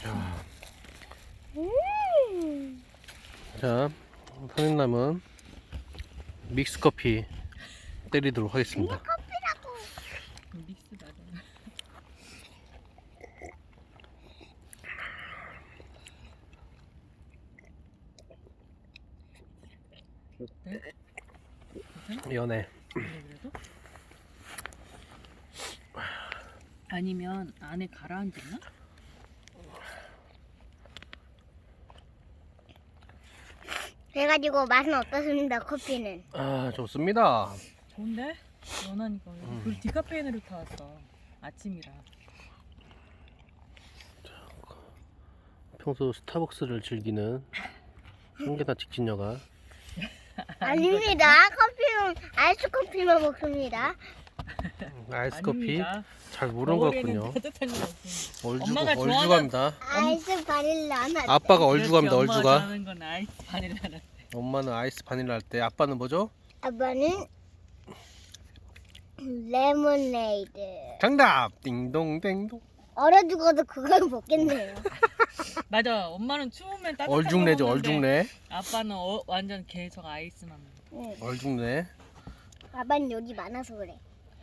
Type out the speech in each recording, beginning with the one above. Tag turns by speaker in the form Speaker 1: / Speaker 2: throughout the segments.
Speaker 1: 자, 선생님은 믹스 커피 때리도록 하겠습니다.
Speaker 2: 커피라고.
Speaker 3: 믹스 맞아. 어때?
Speaker 1: 연해.
Speaker 3: 그래도? 아니면 안에 가라앉았나?
Speaker 2: 그래가지고 맛은 어떻습니까? 커피는.
Speaker 1: 아, 좋습니다.
Speaker 3: 좋은데? 연하니까. 그리고 디카페인으로 타왔어. 아침이라.
Speaker 1: 평소 스타벅스를 즐기는 홍계다 직진녀가
Speaker 2: 아닙니다. 커피는 아이스 커피만 먹습니다.
Speaker 1: 아이스 커피
Speaker 3: 아닙니다.
Speaker 1: 잘 모르는 것
Speaker 3: 겨울에는
Speaker 1: 같군요.
Speaker 3: 따뜻한 거 없습니다.
Speaker 1: 얼죽,
Speaker 3: 엄마가
Speaker 1: 얼죽합니다.
Speaker 2: 아이스 바닐라 하나.
Speaker 1: 아빠가 얼죽합니다.
Speaker 3: 그렇지, 엄마가
Speaker 1: 얼죽아.
Speaker 3: 좋아하는 건 아이스 바닐라라.
Speaker 1: 엄마는 아이스 바닐라 할 때, 아빠는 뭐죠?
Speaker 2: 아빠는 레모네이드.
Speaker 1: 정답! 띵동댕동.
Speaker 2: 얼어 죽어도 그걸 먹겠네요.
Speaker 3: 맞아. 엄마는 추우면 따뜻한
Speaker 1: 얼죽내죠,
Speaker 3: 거 먹는데
Speaker 1: 얼죽내.
Speaker 3: 아빠는 완전 계속 아이스만 먹어.
Speaker 2: 응.
Speaker 1: 얼죽내.
Speaker 2: 아빠는 여기 많아서 그래.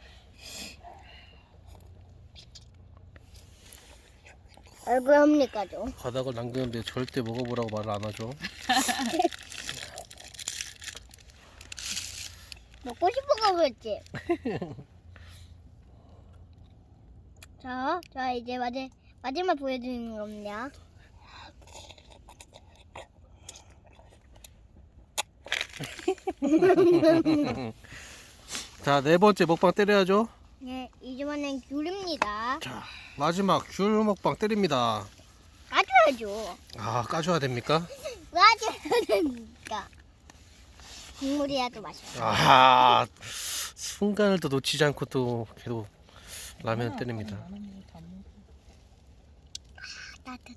Speaker 2: 얼굴 합니까 좀.
Speaker 1: 바닥을 남기는데 절대 먹어보라고 말을 안 하죠.
Speaker 2: 먹고 싶어서 그랬지. 자 이제 마지막 보여드리는 겁니다.
Speaker 1: 자, 네 번째 먹방 때려야죠.
Speaker 2: 네, 이번엔 귤입니다.
Speaker 1: 자, 마지막 귤 먹방 때립니다.
Speaker 2: 까줘야죠.
Speaker 1: 아, 까줘야 됩니까?
Speaker 2: 까줘야 됩니까? 국물이야 또 맛있어.
Speaker 1: 아, 순간을 또 놓치지 않고 또 계속 라면 때립니다.
Speaker 2: 따뜻해.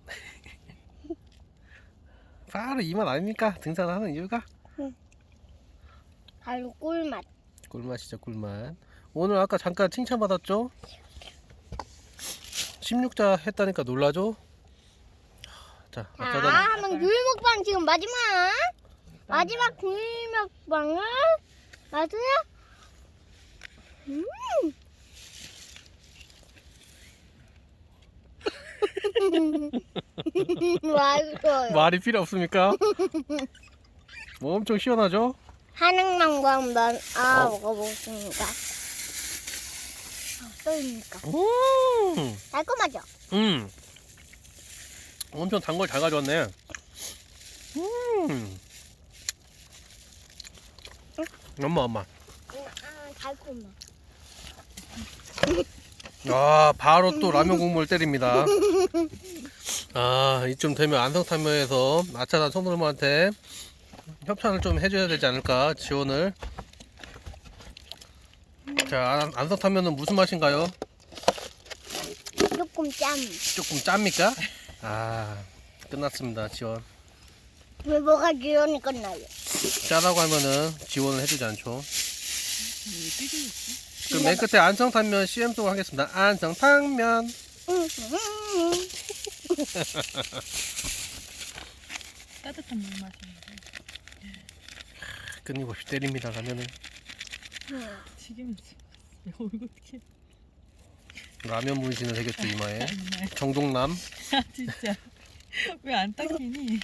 Speaker 1: 바로 이 맛 아닙니까? 등산하는 이유가?
Speaker 2: 바로 꿀맛.
Speaker 1: 꿀맛이죠, 꿀맛. 오늘 아까 잠깐 칭찬받았죠? 16자 했다니까 놀라죠? 자,
Speaker 2: 자,
Speaker 1: 아까는
Speaker 2: 한번 귤 먹방 지금 마지막 귤 먹방은 맞아요? 맛있어요.
Speaker 1: 말이 필요 없습니까? 뭐 엄청 시원하죠?
Speaker 2: 한약만과 한번 먹어보겠습니다. 어떠십니까? 달콤하죠?
Speaker 1: 엄청 단 걸 잘 가져왔네. 엄마.
Speaker 2: 달콤해.
Speaker 1: 아, 바로 또 라면 국물 때립니다. 아, 이쯤 되면 안성탕면에서 아차단 성도님한테 협찬을 좀 해줘야 되지 않을까, 지원을. 자, 안성탕면은 무슨 맛인가요?
Speaker 2: 조금 짠.
Speaker 1: 조금 짭니까? 아, 끝났습니다, 지원.
Speaker 2: 왜 뭐가 기운이 끝나요?
Speaker 1: 짜다고 하면은 지원을 해주지 않죠.
Speaker 3: 이게 삐죽.
Speaker 1: 그럼 맨 끝에 안성탕면 CM송 하겠습니다. 안성탕면.
Speaker 3: 따뜻한 물 마시는데.
Speaker 1: 끊임없이 때립니다, 라면을.
Speaker 3: 튀기면서 얼굴 어떻게?
Speaker 1: 라면 문신을 새겼죠, 이마에.
Speaker 3: 정말.
Speaker 1: 정동남.
Speaker 3: 아 진짜. 왜 안 닦이니?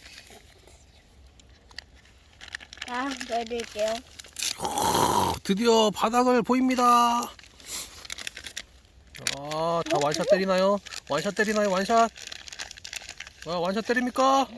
Speaker 2: 자, 보여드릴게요.
Speaker 1: 드디어 바닥을 보입니다. 아, 다 완샷 때리나요? 완샷 때리나요? 완샷? 아, 완샷 때립니까?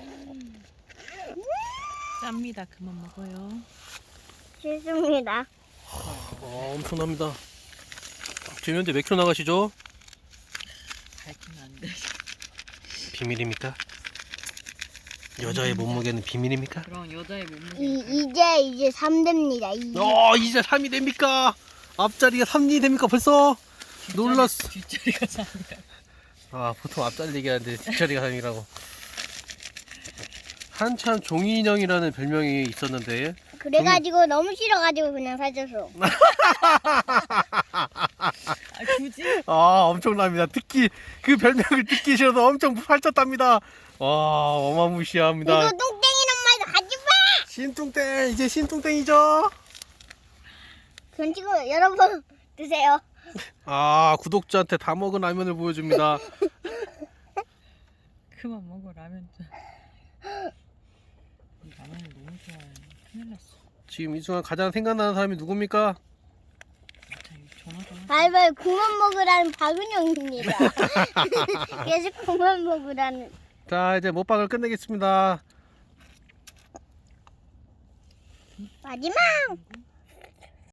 Speaker 3: 짭니다. 그만 먹어요.
Speaker 2: 싫습니다.
Speaker 1: 엄청납니다. 지금 현재 몇 킬로 나가시죠?
Speaker 3: 밝히면 안 돼.
Speaker 1: 비밀입니까? 여자의 몸무게는 비밀입니까?
Speaker 3: 그럼 여자의 몸무게.
Speaker 2: 이제 3됩니다.
Speaker 1: 이제 3이 됩니까? 앞자리가 3이 됩니까? 벌써? 놀랐어.
Speaker 3: 뒷자리가 3이야.
Speaker 1: 아, 보통 앞자리 얘기하는데 뒷자리가 3이라고. 한참 종이인형이라는 별명이 있었는데
Speaker 2: 그래가지고 너무 싫어가지고 그냥 사줘서.
Speaker 3: 아, 굳이?
Speaker 1: 아, 엄청납니다. 듣기 그 별명을 듣기 싫어서 엄청 팔쪘답니다. 와, 어마무시합니다.
Speaker 2: 이거 똥땡이란 말도 하지 마.
Speaker 1: 신뚱땡, 이제 신뚱땡이죠?
Speaker 2: 그럼 지금 여러분 드세요.
Speaker 1: 아, 구독자한테 다 먹은 라면을 보여줍니다.
Speaker 3: 그만 먹어 라면 좀. 이 라면을 너무 좋아해. 큰일 났어.
Speaker 1: 지금 이 순간 가장 생각나는 사람이 누굽니까?
Speaker 3: 자, 이거 전화 좀 하자.
Speaker 2: 발발 그만 먹으라는 박은영입니다. 계속 그만 먹으라는.
Speaker 1: 자, 이제 먹방을 끝내겠습니다.
Speaker 2: 마지막.